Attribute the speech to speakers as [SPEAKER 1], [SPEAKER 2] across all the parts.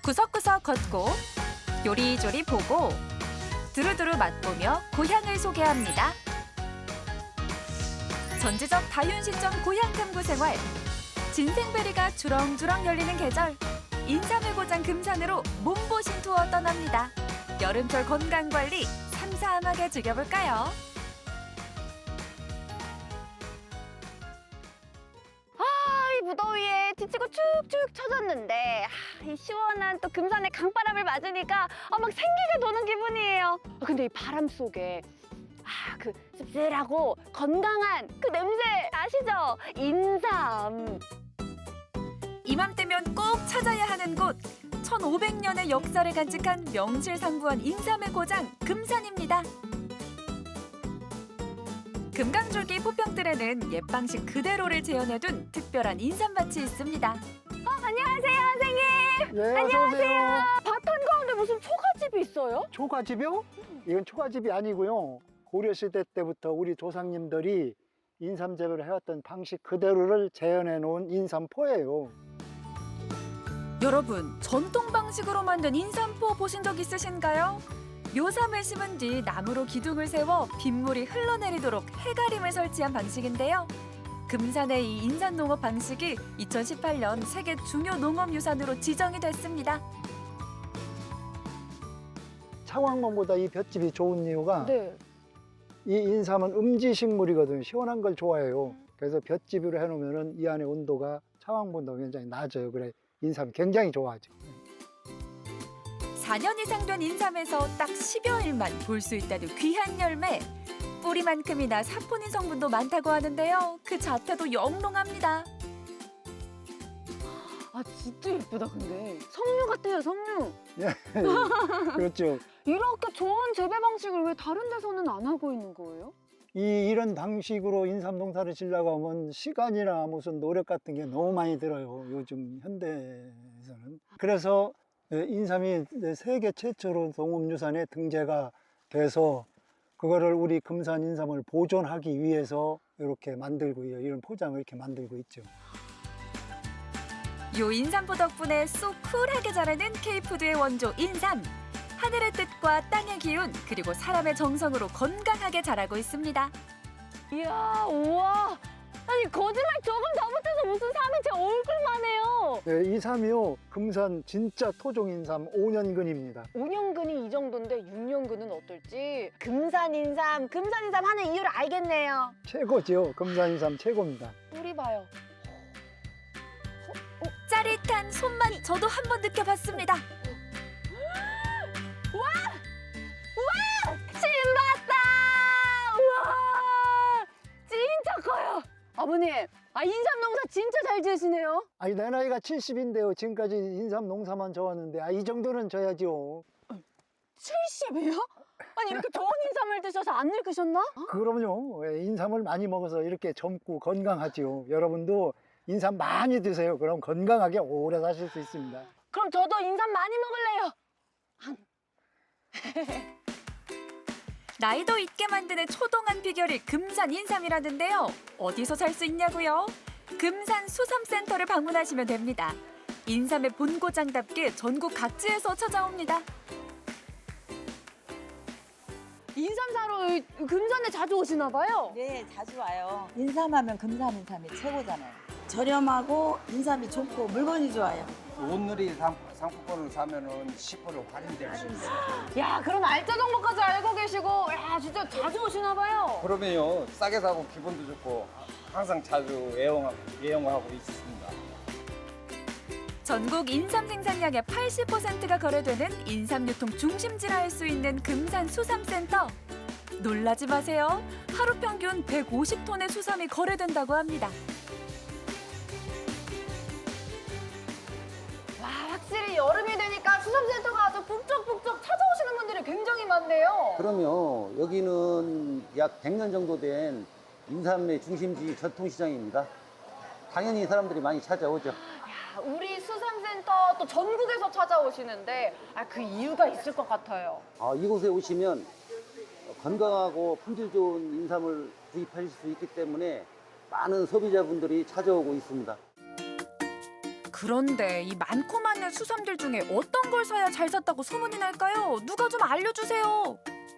[SPEAKER 1] 구석구석 걷고 요리조리 보고 두루두루 맛보며 고향을 소개합니다. 전지적 다윤시점 고향 탐구 생활. 진생베리가 주렁주렁 열리는 계절. 인삼의 고장 금산으로 몸보신 투어 떠납니다. 여름철 건강관리 삼삼하게 즐겨볼까요?
[SPEAKER 2] 이 무더위에 지치고 축축 처졌는데 이 시원한 또 금산의 강바람을 맞으니까 막 생기가 도는 기분이에요. 근데 이 바람 속에 그 씁쓸하고 건강한 그 냄새 아시죠? 인삼.
[SPEAKER 1] 이맘때면 꼭 찾아야 하는 곳. 1500년의 역사를 간직한 명실상부한 인삼의 고장 금산입니다. 금강줄기 포평들에는 옛 방식 그대로를 재현해둔 특별한 인삼밭이 있습니다.
[SPEAKER 2] 안녕하세요, 선생님.
[SPEAKER 3] 네,
[SPEAKER 2] 안녕하세요. 밭 한가운데 무슨 초가집이 있어요?
[SPEAKER 3] 초가집이요? 이건 초가집이 아니고요. 고려시대 때부터 우리 조상님들이 인삼 재배를 해왔던 방식 그대로를 재현해 놓은 인삼포예요.
[SPEAKER 1] 여러분, 전통 방식으로 만든 인삼포 보신 적 있으신가요? 묘삼을 심은 뒤 나무로 기둥을 세워 빗물이 흘러내리도록 해가림을 설치한 방식인데요. 금산의 이 인삼 농업 방식이 2018년 세계 중요 농업유산으로 지정이 됐습니다.
[SPEAKER 3] 차광목보다 이 볏집이 좋은 이유가
[SPEAKER 2] 네.
[SPEAKER 3] 이 인삼은 음지식물이거든요. 시원한 걸 좋아해요. 그래서 볏집으로 해놓으면 이 안에 온도가 차광보다 굉장히 낮아요. 그래 인삼이 굉장히 좋아하죠.
[SPEAKER 1] 4년 이상 된 인삼에서 딱 10여 일만 볼 수 있다는 귀한 열매. 뿌리만큼이나 사포닌 성분도 많다고 하는데요. 그 자태도 영롱합니다.
[SPEAKER 2] 진짜 예쁘다, 근데. 석류 같아요, 석류.
[SPEAKER 3] 그렇죠.
[SPEAKER 2] 이렇게 좋은 재배 방식을 왜 다른 데서는 안 하고 있는 거예요?
[SPEAKER 3] 이런 방식으로 인삼 농사를 지려고 하면 시간이나 무슨 노력 같은 게 너무 많이 들어요. 요즘 현대에서는. 그래서 인삼이 세계 최초로 농업유산에 등재가 돼서 그거를 우리 금산 인삼을 보존하기 위해서 이렇게 만들고 이런 포장을 이렇게 만들고 있죠.
[SPEAKER 1] 요 인삼포 덕분에 쏙 쿨하게 자라는 K푸드의 원조 인삼. 하늘의 뜻과 땅의 기운 그리고 사람의 정성으로 건강하게 자라고 있습니다.
[SPEAKER 2] 이야, 우와. 아니, 거짓말 조금 더 못해서 무슨 삼이 제 얼굴만 해요.
[SPEAKER 3] 이 삼이요, 금산 진짜 토종 인삼 5년근입니다.
[SPEAKER 2] 5년근이 이 정도인데 6년근은 어떨지. 금산 인삼 하는 이유를 알겠네요.
[SPEAKER 3] 최고죠. 금산 인삼 최고입니다.
[SPEAKER 2] 뿌리 봐요.
[SPEAKER 1] 짜릿한 손맛 저도 한번 느껴봤습니다.
[SPEAKER 2] 신봤다! 우와! 진짜 커요. 아버님, 인삼 농사 진짜 잘 지으시네요.
[SPEAKER 3] 아니, 내 나이가 70인데요. 지금까지 인삼 농사만 져왔는데, 이 정도는 져야죠.
[SPEAKER 2] 70이요? 아니, 이렇게 좋은 인삼을 드셔서 안 늙으셨나?
[SPEAKER 3] 그럼요. 인삼을 많이 먹어서 이렇게 젊고 건강하죠. 여러분도 인삼 많이 드세요. 그럼 건강하게 오래 사실 수 있습니다.
[SPEAKER 2] 그럼 저도 인삼 많이 먹을래요.
[SPEAKER 1] 나이도 있게 만드는 초동한 비결이 금산 인삼이라는데요. 어디서 살 수 있냐고요? 금산 수삼센터를 방문하시면 됩니다. 인삼의 본고장답게 전국 각지에서 찾아옵니다.
[SPEAKER 2] 인삼 사러 금산에 자주 오시나 봐요.
[SPEAKER 4] 네, 자주 와요. 인삼하면 금산 인삼이 최고잖아요. 저렴하고 인삼이 좋고 물건이 좋아요.
[SPEAKER 5] 오늘이 상품권을 사면은 10% 할인될 수 있어요.
[SPEAKER 2] 야, 그런 알짜 정보까지 알고 계시고, 야, 진짜 자주 오시나 봐요.
[SPEAKER 5] 그러면요, 싸게 사고 기분도 좋고 항상 자주 애용하고 있습니다.
[SPEAKER 1] 전국 인삼 생산량의 80%가 거래되는 인삼 유통 중심지라 할 수 있는 금산 수삼센터. 놀라지 마세요. 하루 평균 150톤의 수삼이 거래된다고 합니다.
[SPEAKER 2] 와, 확실히 여름이 되니까 수삼센터가 아주 북적북적 찾아오시는 분들이 굉장히 많네요.
[SPEAKER 6] 그럼요. 여기는 약 100년 정도 된 인삼의 중심지 전통시장입니다. 당연히 사람들이 많이 찾아오죠.
[SPEAKER 2] 야, 우리 수삼센터 또 전국에서 찾아오시는데 그 이유가 있을 것 같아요.
[SPEAKER 6] 이곳에 오시면 건강하고 품질 좋은 인삼을 구입하실 수 있기 때문에 많은 소비자분들이 찾아오고 있습니다.
[SPEAKER 1] 그런데 이 많고 많은 수삼들 중에 어떤 걸 사야 잘 샀다고 소문이 날까요? 누가 좀 알려주세요.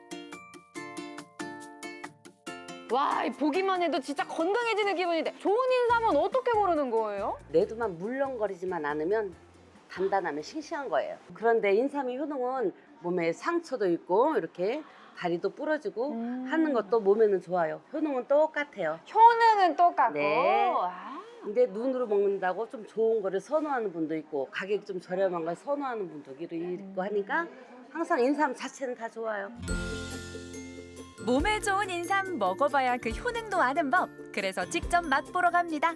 [SPEAKER 2] 와, 이 보기만 해도 진짜 건강해지는 기분인데 좋은 인삼은 어떻게 고르는 거예요?
[SPEAKER 7] 내두만 물렁거리지만 않으면 단단하면 싱싱한 거예요. 그런데 인삼의 효능은 몸에 상처도 있고 이렇게 다리도 부러지고 하는 것도 몸에는 좋아요. 효능은 똑같아요.
[SPEAKER 2] 효능은 똑같고.
[SPEAKER 7] 네.
[SPEAKER 2] 아.
[SPEAKER 7] 근데 눈으로 먹는다고 좀 좋은 거를 선호하는 분도 있고 가격이 좀 저렴한 걸 선호하는 분도 있고 하니까 항상 인삼 자체는 다 좋아요.
[SPEAKER 1] 몸에 좋은 인삼 먹어봐야 그 효능도 아는 법. 그래서 직접 맛보러 갑니다.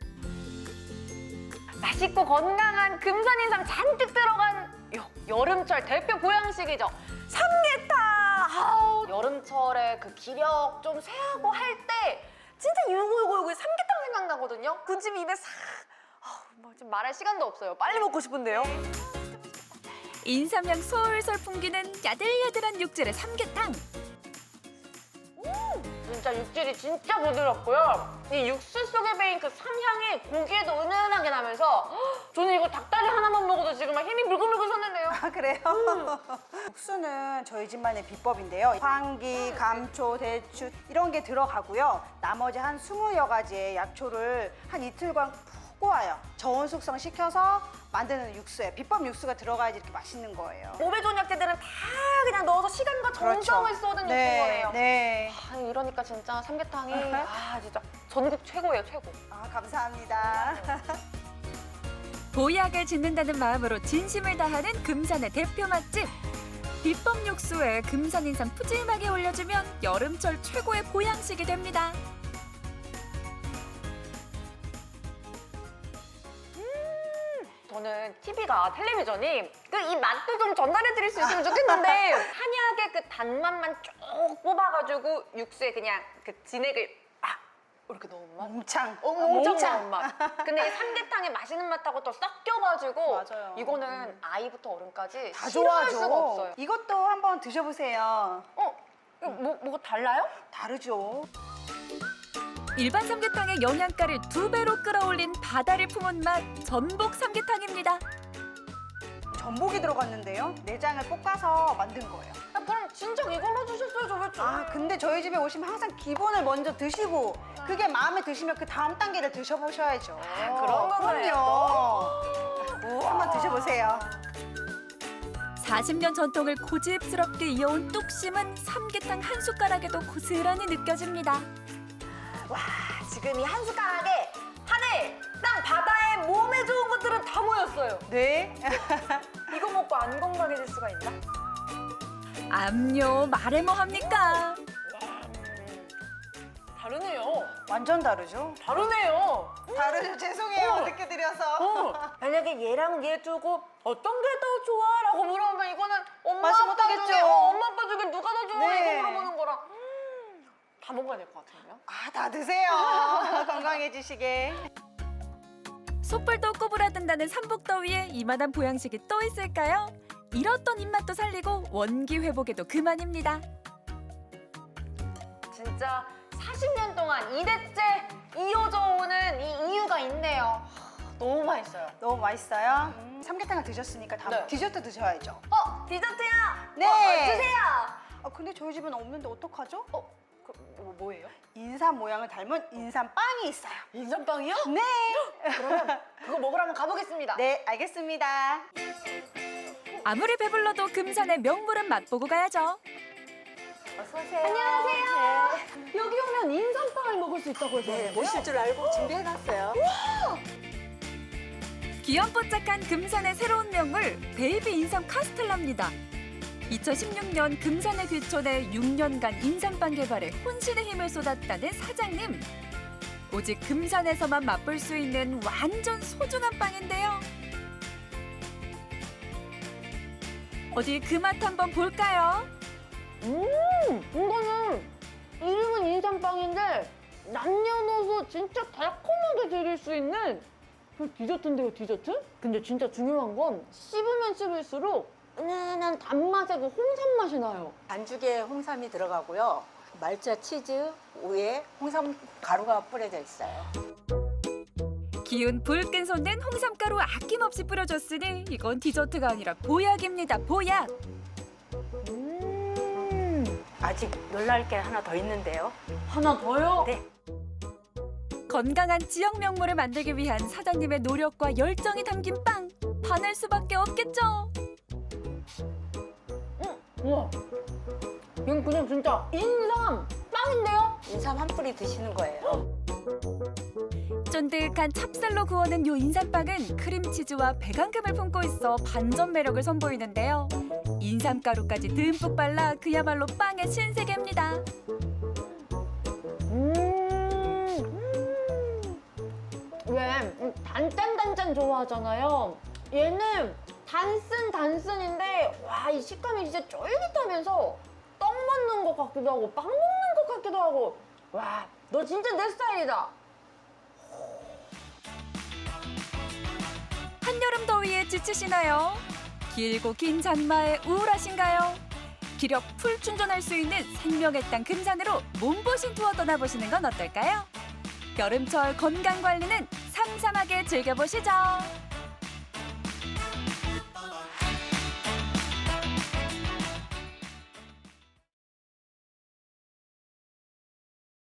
[SPEAKER 2] 맛있고 건강한 금산 인삼 잔뜩 들어간 여름철 대표 보양식이죠. 삼계탕. 아우, 여름철에 그 기력 좀 쇠하고 할 때 진짜 요거 삼계탕 생각나거든요. 군침이 입에 싹. 뭐 지금 말할 시간도 없어요. 빨리 먹고 싶은데요.
[SPEAKER 1] 인삼향 솔솔 풍기는 야들야들한 육질의 삼계탕.
[SPEAKER 2] 진짜 육질이 진짜 부드럽고요. 이 육수 속에 배인 그 삼향이 고기에도 은은하게 나면서 저는 이거 닭다리 하나만 먹어도 지금 막 힘이 불끈불끈 솟는데요.
[SPEAKER 8] 아, 그래요? 국수는 저희 집만의 비법인데요. 황기, 감초, 대추 이런 게 들어가고요. 나머지 한 20여 가지의 약초를 한 이틀간 푹 꼬아요. 저온 숙성 시켜서 만드는 육수에 비법 육수가 들어가야지 이렇게 맛있는 거예요.
[SPEAKER 2] 몸에 좋은 약재들은 다 그냥 넣어서 시간과 정성을 쏟은 육수인 거네요.
[SPEAKER 8] 네.
[SPEAKER 2] 아, 이러니까 진짜 삼계탕이 진짜 전국 최고예요, 최고.
[SPEAKER 8] 아, 감사합니다.
[SPEAKER 1] 보약을 짓는다는 마음으로 진심을 다하는 금산의 대표 맛집. 비법 육수에 금산 인삼 푸짐하게 올려주면 여름철 최고의 보양식이 됩니다.
[SPEAKER 2] 저는 TV가 텔레비전이 그 이 맛도 좀 전달해드릴 수 있으면 좋겠는데 한약의 그 단맛만 쭉 뽑아가지고 육수에 그냥 그 진액을 이렇게 넣은 맛?
[SPEAKER 8] 몽창.
[SPEAKER 2] 엄청 나은 맛. 근데 이 삼계탕의 맛있는 맛하고 또 섞여가지고
[SPEAKER 8] 맞아요.
[SPEAKER 2] 이거는 아이부터 어른까지
[SPEAKER 8] 다
[SPEAKER 2] 싫어할
[SPEAKER 8] 좋아하죠.
[SPEAKER 2] 수가 없어요.
[SPEAKER 8] 이것도 한번 드셔보세요.
[SPEAKER 2] 이거 뭐가 달라요?
[SPEAKER 8] 다르죠.
[SPEAKER 1] 일반 삼계탕의 영양가를 2배로 끌어올린 바다를 품은 맛 전복 삼계탕입니다.
[SPEAKER 8] 전복이 들어갔는데요. 내장을 볶아서 만든 거예요.
[SPEAKER 2] 그럼 진짜 이걸로 주셨어요, 저 왜?
[SPEAKER 8] 아, 근데 저희 집에 오시면 항상 기본을 먼저 드시고 그게 마음에 드시면 그 다음 단계를 드셔보셔야죠.
[SPEAKER 2] 그런 거네요.
[SPEAKER 8] 그럼요. 한번 드셔보세요.
[SPEAKER 1] 40년 전통을 고집스럽게 이어온 뚝심은 삼계탕 한 숟가락에도 고스란히 느껴집니다.
[SPEAKER 2] 와, 지금 이 한 숟가락에 하늘, 땅, 바다에 몸에 좋은 것들은 다 모였어요.
[SPEAKER 8] 네.
[SPEAKER 2] 이거 먹고 안 건강해질 수가 있나?
[SPEAKER 1] 암요, 말해 뭐 합니까?
[SPEAKER 2] 다르네요.
[SPEAKER 8] 완전 다르죠?
[SPEAKER 2] 다르네요.
[SPEAKER 8] 다르죠. 죄송해요. 늦게 드려서.
[SPEAKER 2] 만약에 얘랑 얘 두고 어떤 게 더 좋아? 라고 물어보면 이거는 엄마
[SPEAKER 8] 말씀
[SPEAKER 2] 아빠
[SPEAKER 8] 못하겠죠.
[SPEAKER 2] 중에 엄마 아빠 중에 누가 더 좋아?
[SPEAKER 8] 네.
[SPEAKER 2] 이거 물어보는 거랑 다 먹어야 될 것 같은데요?
[SPEAKER 8] 아, 다 드세요. 건강해지시게.
[SPEAKER 1] 속불도 꼬부라든다는 삼복더위에 이만한 보양식이 또 있을까요? 잃었던 입맛도 살리고 원기 회복에도 그만입니다.
[SPEAKER 2] 진짜 40년 동안 2대째 이어져 오는 이 이유가 있네요. 너무 맛있어요.
[SPEAKER 8] 너무 맛있어요. 삼계탕을 드셨으니까 다음
[SPEAKER 2] 네.
[SPEAKER 8] 디저트 드셔야죠.
[SPEAKER 2] 디저트야!
[SPEAKER 8] 네.
[SPEAKER 2] 주세요!
[SPEAKER 8] 아, 근데 저희 집은 없는데 어떡하죠?
[SPEAKER 2] 뭐예요?
[SPEAKER 8] 인삼 모양을 닮은 인삼빵이 있어요.
[SPEAKER 2] 인삼빵이요?
[SPEAKER 8] 네.
[SPEAKER 2] 그러면 그거 먹으러 한번 가보겠습니다.
[SPEAKER 8] 네, 알겠습니다.
[SPEAKER 1] 아무리 배불러도 금산의 명물은 맛보고 가야죠.
[SPEAKER 2] 안녕하세요. 여기 오면 인삼빵을 먹을 수 있다고 해서 네,
[SPEAKER 4] 오실 줄 알고 준비해놨어요.
[SPEAKER 1] 귀염뽀짝한 금산의 새로운 명물 베이비 인삼 카스텔라입니다. 2016년 금산의 귀촌에 6년간 인삼빵 개발에 혼신의 힘을 쏟았다는 사장님. 오직 금산에서만 맛볼 수 있는 완전 소중한 빵인데요. 어디 그 맛 한번 볼까요?
[SPEAKER 2] 이거는 이름은 인삼빵인데 남녀노소 진짜 달콤하게 즐길 수 있는 그 디저트인데요, 디저트? 근데 진짜 중요한 건 씹으면 씹을수록 은은한 단맛의 그 홍삼 맛이 나요.
[SPEAKER 4] 반죽에 홍삼이 들어가고요. 말차 치즈 위에 홍삼 가루가 뿌려져 있어요.
[SPEAKER 1] 기운 불끈 솟는 홍삼가루 아낌없이 뿌려줬으니 이건 디저트가 아니라 보약입니다. 보약.
[SPEAKER 9] 아직 놀랄 게 하나 더 있는데요.
[SPEAKER 2] 하나 더요?
[SPEAKER 9] 네.
[SPEAKER 1] 건강한 지역 명물을 만들기 위한 사장님의 노력과 열정이 담긴 빵. 반할 수밖에 없겠죠.
[SPEAKER 2] 우와. 이건 그냥 진짜 인삼 빵인데요?
[SPEAKER 9] 인삼 한 뿌리 드시는 거예요.
[SPEAKER 1] 쫀득한 찹쌀로 구워낸 요 인삼빵은 크림치즈와 배강금을 품고 있어 반전 매력을 선보이는데요. 인삼가루까지 듬뿍 발라 그야말로 빵의 신세계입니다.
[SPEAKER 2] 왜 단짠단짠 좋아하잖아요. 얘는 단순인데 와, 이 식감이 진짜 쫄깃하면서 떡 먹는 것 같기도 하고 빵 먹는 것 같기도 하고 와, 너 진짜 내 스타일이다.
[SPEAKER 1] 한여름 더위에 지치시나요? 길고 긴 장마에 우울하신가요? 기력 풀 충전할 수 있는 생명의 땅 금산으로 몸보신 투어 떠나보시는 건 어떨까요? 여름철 건강 관리는 삼삼하게 즐겨보시죠.